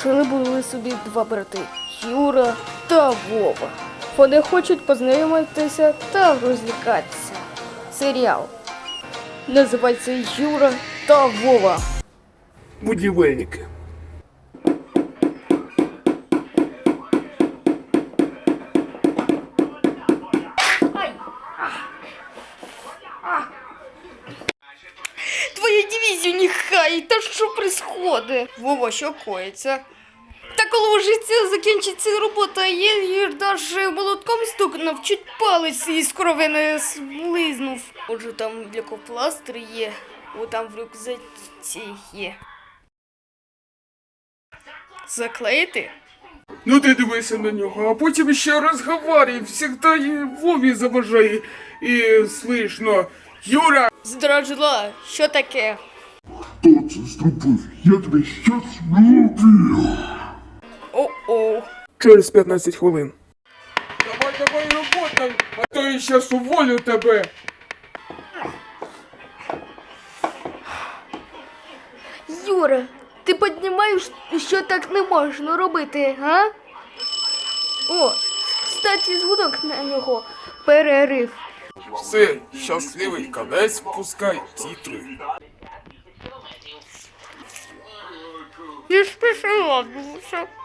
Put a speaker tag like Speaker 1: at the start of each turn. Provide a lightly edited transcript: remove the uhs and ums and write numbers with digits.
Speaker 1: Жили були собі два брати Юра та Вова. Вони хочуть познайомитися та розлікатися. Серіал називається Юра та Вова.
Speaker 2: Будівельники.
Speaker 1: Твою дивізію нехай, та що происходить? Вова, що коїться? Та коли вже це закінчиться робота, я даже молотком стукнув, чуть палець із крови не злизнув. Отже, там лікопластир є, о там в рюкзаці є. Заклеїти?
Speaker 2: Ну ти дивися на нього, а потім ще розговорює, завжди Вові заважає. І слышно, Юра!
Speaker 1: Здражила, що таке?
Speaker 3: Хто це зробив? Я тебе щас вб'ю!
Speaker 1: О-о.
Speaker 2: Через 15 хвилин. Давай робота, а то я щас уволю тебе.
Speaker 1: Юра, ти піднімаєш, що так не можна робити, а? О, кстати, дзвонок на нього. Перерив.
Speaker 2: Все, щасливий кінець, пускай тітри.
Speaker 1: Я ж пішла, душа.